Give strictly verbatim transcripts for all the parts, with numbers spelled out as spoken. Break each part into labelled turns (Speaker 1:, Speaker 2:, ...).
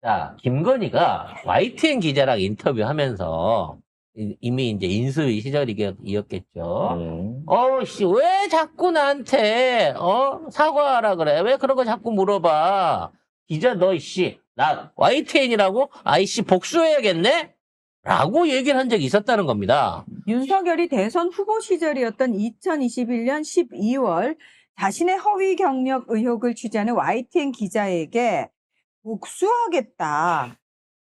Speaker 1: 자, 김건희가 와이티엔 기자랑 인터뷰하면서 이- 이미 이제 인수위 시절이었겠죠.
Speaker 2: 음.
Speaker 1: 어, 씨, 왜 자꾸 나한테, 어, 사과하라 그래? 왜 그런 거 자꾸 물어봐? 기자, 너, 씨, 나 와이티엔이라고? 아이씨, 복수해야겠네? 라고 얘기를 한 적이 있었다는 겁니다.
Speaker 3: 윤석열이 대선 후보 시절이었던 이천이십일 년 십이 월 자신의 허위 경력 의혹을 취재하는 와이티엔 기자에게 복수하겠다는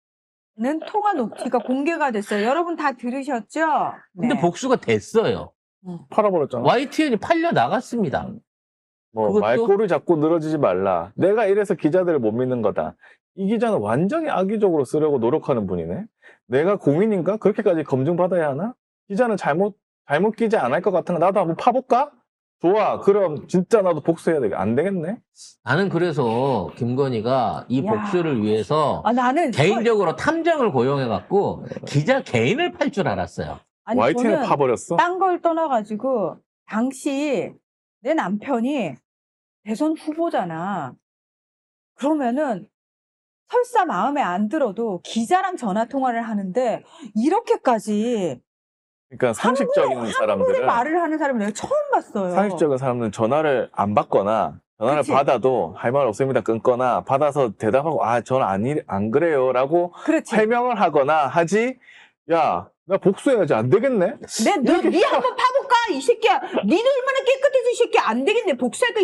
Speaker 3: 통화 녹취가 공개가 됐어요. 여러분 다 들으셨죠?
Speaker 1: 근데
Speaker 3: 네.
Speaker 1: 복수가 됐어요.
Speaker 2: 팔아버렸잖아.
Speaker 1: 와이티엔이 팔려 나갔습니다.
Speaker 2: 뭐
Speaker 1: 그것도-
Speaker 2: 말꼬리 잡고 늘어지지 말라. 내가 이래서 기자들을 못 믿는 거다. 이 기자는 완전히 악의적으로 쓰려고 노력하는 분이네. 내가 공인인가? 그렇게까지 검증받아야 하나? 기자는 잘못 잘못 기자 안 할 것 같은 거 나도 한번 파볼까? 좋아. 그럼 진짜 나도 복수해야 되겠. 안 되겠네.
Speaker 1: 나는 그래서 김건희가 이
Speaker 3: 야.
Speaker 1: 복수를 위해서
Speaker 3: 아, 나는
Speaker 1: 개인적으로 탐정을 고용해갖고 기자 개인을 팔 줄 알았어요.
Speaker 3: 아니,
Speaker 2: 와이티엔을
Speaker 3: 저는
Speaker 2: 파버렸어.
Speaker 3: 딴 걸 떠나가지고 당시 내 남편이 대선 후보잖아. 그러면은 설사 마음에 안 들어도 기자랑 전화 통화를 하는데 이렇게까지
Speaker 2: 그러니까 상식적인
Speaker 3: 한국의
Speaker 2: 사람들은
Speaker 3: 말을 하는 사람을 내가 처음 봤어요.
Speaker 2: 상식적인 사람들은 전화를 안 받거나 전화를
Speaker 3: 그치?
Speaker 2: 받아도 할 말 없습니다 끊거나 받아서 대답하고 아 저는 아니 안 그래요라고
Speaker 3: 그렇지.
Speaker 2: 해명을 하거나 하지. 야, 나 복수해야지. 안 되겠네.
Speaker 3: 내, 너, 니 한번 파볼까? 이 새끼야. 니는 얼마나 깨끗해서 이 새끼 안 되겠네. 복수해도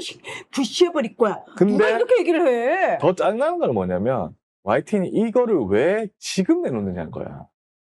Speaker 3: 부시해버릴 거야.
Speaker 2: 근데
Speaker 3: 누가 이렇게 얘기를 해?
Speaker 2: 더 짜증나는 건 뭐냐면 와이티엔이 이거를 왜 지금 내놓느냐는 거야.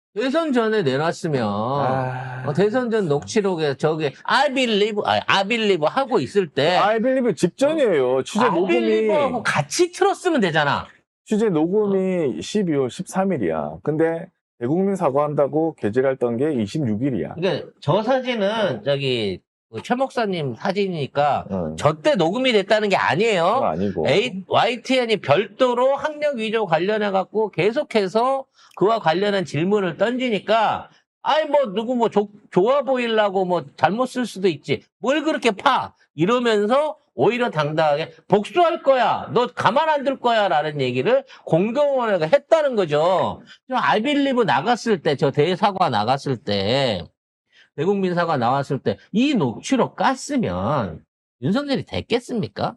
Speaker 1: 대선 전에 내놨으면
Speaker 2: 아...
Speaker 1: 어, 대선 전 녹취록에 저기 I believe, 아, I believe 하고 있을 때
Speaker 2: I believe 직전이에요. 취재
Speaker 1: I believe하고
Speaker 2: 녹음이
Speaker 1: 같이 틀었으면 되잖아.
Speaker 2: 취재 녹음이 십이월 십삼일이야. 근데 대국민 사과한다고 게재했던 게 이십육 일이야.
Speaker 1: 그러니까 저 사진은 저기 그최 목사님 사진이니까
Speaker 2: 응.
Speaker 1: 저 때 녹음이 됐다는 게
Speaker 2: 그건
Speaker 1: 아니에요.
Speaker 2: 아니고.
Speaker 1: A, 와이티엔이 별도로 학력 위조 관련해 갖고 계속해서 그와 관련한 질문을 던지니까 아이 뭐 누구 뭐 조- 좋아 보이려고 뭐 잘못 쓸 수도 있지. 뭘 그렇게 파? 이러면서 오히려 당당하게 복수할 거야. 너 가만 안 둘 거야. 라는 얘기를 공공원회가 했다는 거죠. 저 아이빌리브 나갔을 때, 저 대사과 나갔을 때, 대국민 사과 나왔을 때 이 녹취록 깠으면 윤석열이 됐겠습니까?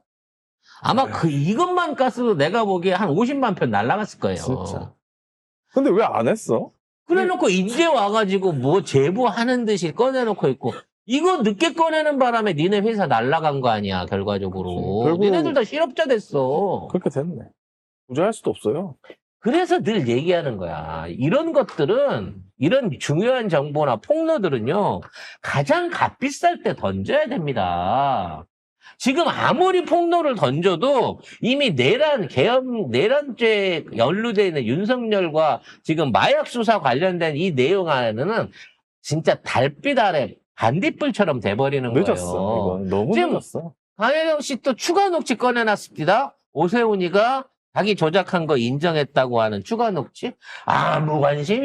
Speaker 1: 아마 그 이것만 깠어도 내가 보기에 한 오십만 편 날라갔을 거예요.
Speaker 2: 진짜. 근데 왜 안 했어?
Speaker 1: 그래놓고 이제 와가지고 뭐 제보하는 듯이 꺼내놓고 있고 이거 늦게 꺼내는 바람에 니네 회사 날라간 거 아니야 결과적으로.
Speaker 2: 그치. 결국-
Speaker 1: 니네들 다 실업자 됐어.
Speaker 2: 그렇게 됐네. 부자할 수도 없어요.
Speaker 1: 그래서 늘 얘기하는 거야. 이런 것들은, 이런 중요한 정보나 폭로들은요, 가장 값비쌀 때 던져야 됩니다. 지금 아무리 폭로를 던져도 이미 내란, 계엄, 내란죄에 연루되어 있는 윤석열과 지금 마약 수사 관련된 이 내용 안에는 진짜 달빛 아래 반딧불처럼 돼버리는
Speaker 2: 늦었어.
Speaker 1: 거예요.
Speaker 2: 이건 너무
Speaker 1: 지금
Speaker 2: 늦었어.
Speaker 1: 강혜경 씨 또 추가 녹취 꺼내놨습니다. 오세훈이가 자기 조작한 거 인정했다고 하는 추가 녹취? 아무 관심이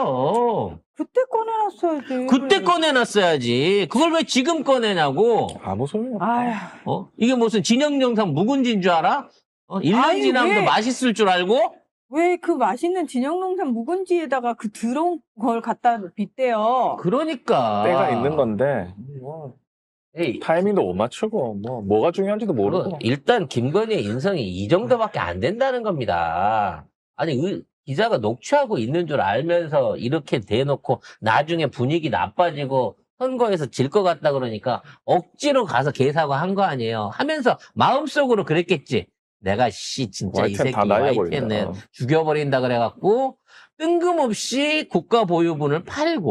Speaker 1: 없어요.
Speaker 3: 그때 꺼내놨어야지.
Speaker 1: 그때 꺼내놨어야지. 그걸 왜 지금 꺼내냐고.
Speaker 2: 아무 소용이 없어.
Speaker 3: 아휴.
Speaker 1: 어? 이게 무슨 진영 영상 묵은지인 줄 알아? 어? 일 년
Speaker 3: 아니,
Speaker 1: 지나면
Speaker 3: 왜?
Speaker 1: 맛있을 줄 알고?
Speaker 3: 왜 그 맛있는 진영농산 묵은지에다가 그 더러운 걸 갖다 빗대요?
Speaker 1: 그러니까.
Speaker 2: 때가 있는 건데 뭐
Speaker 1: 에이,
Speaker 2: 타이밍도 못 맞추고 뭐 뭐가 중요한지도 모르고.
Speaker 1: 그거 일단 김건희의 인성이 이 정도밖에 안 된다는 겁니다. 아니 의- 기자가 녹취하고 있는 줄 알면서 이렇게 대놓고 나중에 분위기 나빠지고 선거에서 질 것 같다 그러니까 억지로 가서 개사과 한 거 아니에요. 하면서 마음속으로 그랬겠지. 내가 씨 진짜 이
Speaker 2: 와이티엔
Speaker 1: 새끼
Speaker 2: 다 날려버린다.
Speaker 1: 와이티엔을 죽여버린다 그래갖고 뜬금없이 국가 보유분을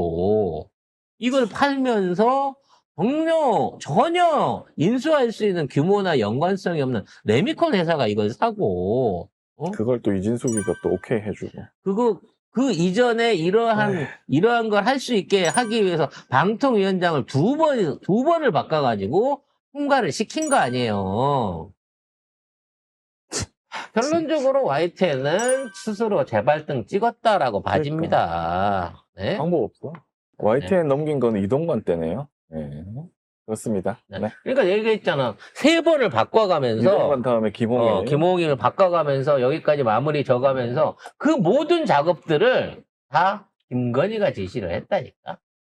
Speaker 1: 팔고 이걸 팔면서 전혀, 전혀 인수할 수 있는 규모나 연관성이 없는 레미콘 회사가 이걸 사고, 어?
Speaker 2: 그걸 또 이진숙이가 또 오케이 해주고.
Speaker 1: 그거, 그 이전에 이러한,
Speaker 2: 에휴.
Speaker 1: 이러한 걸 할 수 있게 하기 위해서 방통위원장을 두 번, 두 번을 바꿔가지고 통과를 시킨 거 아니에요. 결론적으로 와이티엔은 스스로 재발등 찍었다라고 봐집니다. 네?
Speaker 2: 방법 없어. 와이티엔 넘긴 건 이동관 때네요. 네. 그렇습니다.
Speaker 1: 네.
Speaker 2: 네.
Speaker 1: 그러니까 얘기했잖아. 세 번을 바꿔가면서
Speaker 2: 이동간 다음에 김홍일.
Speaker 1: 어, 김홍일을 바꿔가면서 여기까지 마무리 져가면서 그 모든 작업들을 다 김건희가 지시를 했다니까.